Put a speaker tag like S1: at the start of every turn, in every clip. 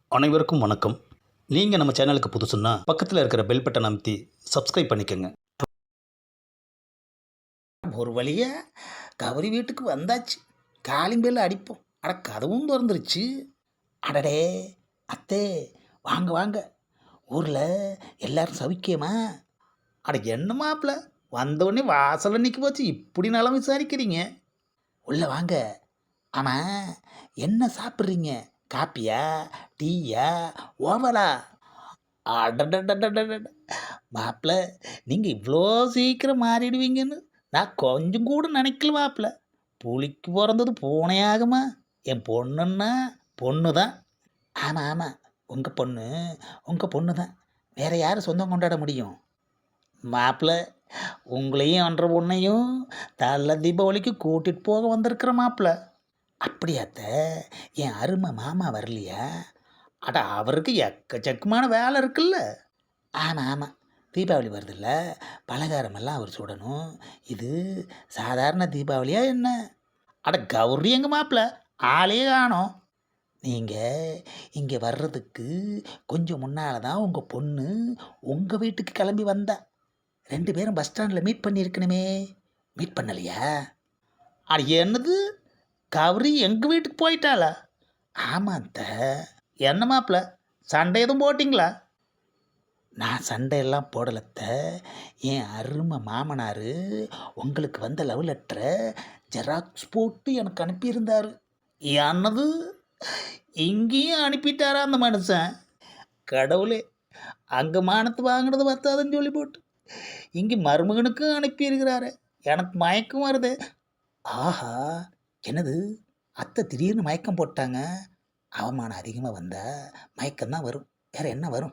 S1: அனைவருக்கும் வணக்கம். நீங்கள் நம்ம சேனலுக்கு புதுசுன்னா பக்கத்தில் இருக்கிற பெல் பட்டன் அமைத்தி சப்ஸ்கிரைப் பண்ணிக்கோங்க.
S2: ஒரு வழியா கௌரி வீட்டுக்கு வந்தாச்சு. காலிங் பெல் அடிப்போம். அட கதவும் திறந்துருச்சு. அடடே அத்தே, வாங்க வாங்க. ஊரில் எல்லாரும் சவிக்கியமா? அட என்ன மாப்பிள்ள, வந்தவுடனே வாசலில் நிற்க போச்சு, இப்படி நலம் விசாரிக்கிறீங்க? உள்ள வாங்க. ஆமாம், என்ன சாப்பிட்றீங்க? காப்பியா, டீயா, ஓவலா? அடடடடடட மாப்பிள்ள, நீங்கள் இவ்வளோ சீக்கிரம் மாறிடுவீங்கன்னு நான் கொஞ்சம் கூட நினைக்கல மாப்பிள்ள. புலிக்கு பிறந்தது பூனையாகுமா? என் பொண்ணுன்னா பொண்ணு தான். ஆமாம் ஆமாம், உங்கள் பொண்ணு தான். வேற யார் சொந்தம் கொண்டாட முடியும்? மாப்பிள்ள, உங்களையும் அன்ற பொண்ணையும் தள்ள தீபாவளிக்கு கூட்டிகிட்டு போக வந்திருக்கிற மாப்பிள்ள. அப்படியாத்த, என் அருமை மாமா வரலையா? அட அவருக்கு எக்கச்சக்கமான வேலை இருக்குல்ல. ஆமாம் ஆமாம், தீபாவளி வருதில்ல, பலகாரமெல்லாம் அவர் சுடணும். இது சாதாரண தீபாவளியா என்ன? அட கௌரி எங்கள் மாப்பிள்ள, ஆளே காணோம். நீங்கள் இங்கே வர்றதுக்கு கொஞ்சம் முன்னால் தான் உங்கள் பொண்ணு உங்கள் வீட்டுக்கு கிளம்பி வந்தா. 2 பேரும் பஸ் ஸ்டாண்டில் மீட் பண்ணியிருக்கணுமே, மீட் பண்ணலையா? அட என்னது, கௌரி எங்கள் வீட்டுக்கு போயிட்டாளா? ஆமாத்த. என்ன மாப்பிள்ள, சண்டை எதுவும் போட்டிங்களா? நான் சண்டையெல்லாம் போடலத்த. என் அருமை மாமனார் உங்களுக்கு வந்த லவ் லெட்டரை ஜெராக்ஸ் போட்டு எனக்கு அனுப்பியிருந்தார். என்னது, இங்கேயும் அனுப்பிட்டாரா அந்த மனுஷன்? கடவுளே, அங்கே மானத்து வாங்கினது பத்தாதுன்னு சொல்லி போட்டு இங்கே மருமகனுக்கும் அனுப்பியிருக்கிறாரு. எனக்கு மயக்கம் வருது. ஆஹா, என்னது, அத்தை திடீர்னு மயக்கம் போட்டாங்க. அவமானம் அதிகமாக வந்தால் மயக்கம்தான் வரும், வேற என்ன வரும்?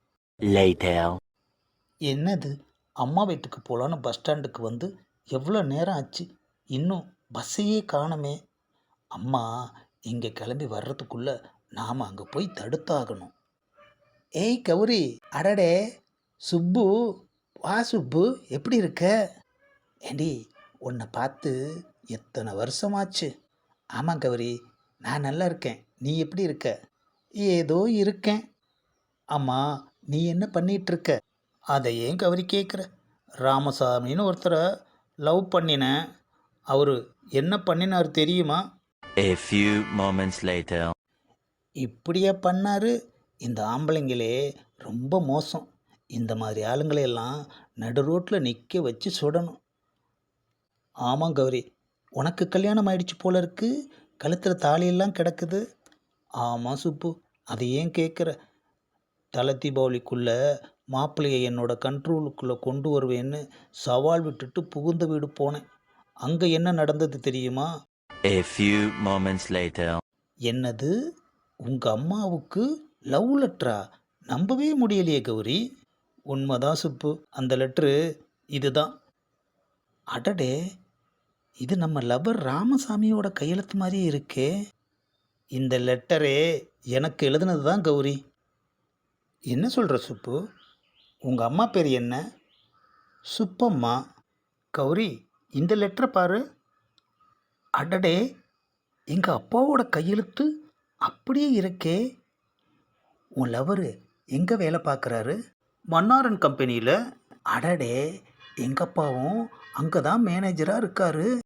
S2: என்னது, அம்மா வீட்டுக்கு போகலான்னு பஸ் ஸ்டாண்டுக்கு வந்து எவ்வளோ நேரம் ஆச்சு, இன்னும் பஸ்ஸையே காணுமே. அம்மா இங்கே கிளம்பி வர்றதுக்குள்ளே நாம் அங்கே போய் தடுத்தாகணும். ஏய் கௌரி, அடடே சுப்பு, வா சுப்பு, எப்படி இருக்க? ஏண்டி, உன்னை பார்த்து எத்தனை வருஷமாச்சு? ஆமாம் கௌரி, நான் நல்லா இருக்கேன். நீ எப்படி இருக்க? ஏதோ இருக்கேன். ஆமாம், நீ என்ன பண்ணிகிட்ருக்க? அதை ஏன் கௌரி கேட்குற? ராமசாமின்னு ஒருத்தரை லவ் பண்ணினேன். அவர் என்ன பண்ணினார் தெரியுமா?
S3: A few moments later.
S2: இப்படியே பண்ணார். இந்த ஆம்பளைங்களே ரொம்ப மோசம். இந்த மாதிரி ஆளுங்களையெல்லாம் நடு ரோட்டில் நிற்க வச்சு சுடணும். ஆமாம் கௌரி, உனக்கு கல்யாணம் ஆயிடுச்சு போல இருக்கு. கழுத்தில் தாலியெல்லாம் கிடக்குது. ஆமாம் சுப்பு, அதை ஏன் கேட்குற? தலை தீபாவளிக்குள்ளே மாப்பிள்ளையை என்னோட கண்ட்ரோலுக்குள்ளே கொண்டு வருவேன்னு சவால் விட்டுட்டு புகுந்த வீடு போனேன். அங்கே என்ன நடந்தது தெரியுமா?
S3: A few moments later.
S2: என்னது, உங்கள் அம்மாவுக்கு லவ் லெட்டரா? நம்பவே முடியலையே கௌரி. உண்மைதான் சுப்பு, அந்த லெட்ரு இதுதான். அடடே, இது நம்ம லவர் ராமசாமியோட கையெழுத்து மாதிரியே இருக்கே. இந்த லெட்டரே எனக்கு எழுதுனது தான் கௌரி. என்ன சொல்கிற சுப்பு? உங்கள் அம்மா பேர் என்ன? சுப்பம்மா. கௌரி, இந்த லெட்டரை பாரு. அடடே, எங்கள் அப்பாவோட கையெழுத்து அப்படியே இருக்கே. உன் லவரு எங்கே வேலை பார்க்குறாரு? மன்னாரன் கம்பெனியில். அடடே, எங்கள் அப்பாவும் அங்கே தான் மேனேஜராக இருக்காரு.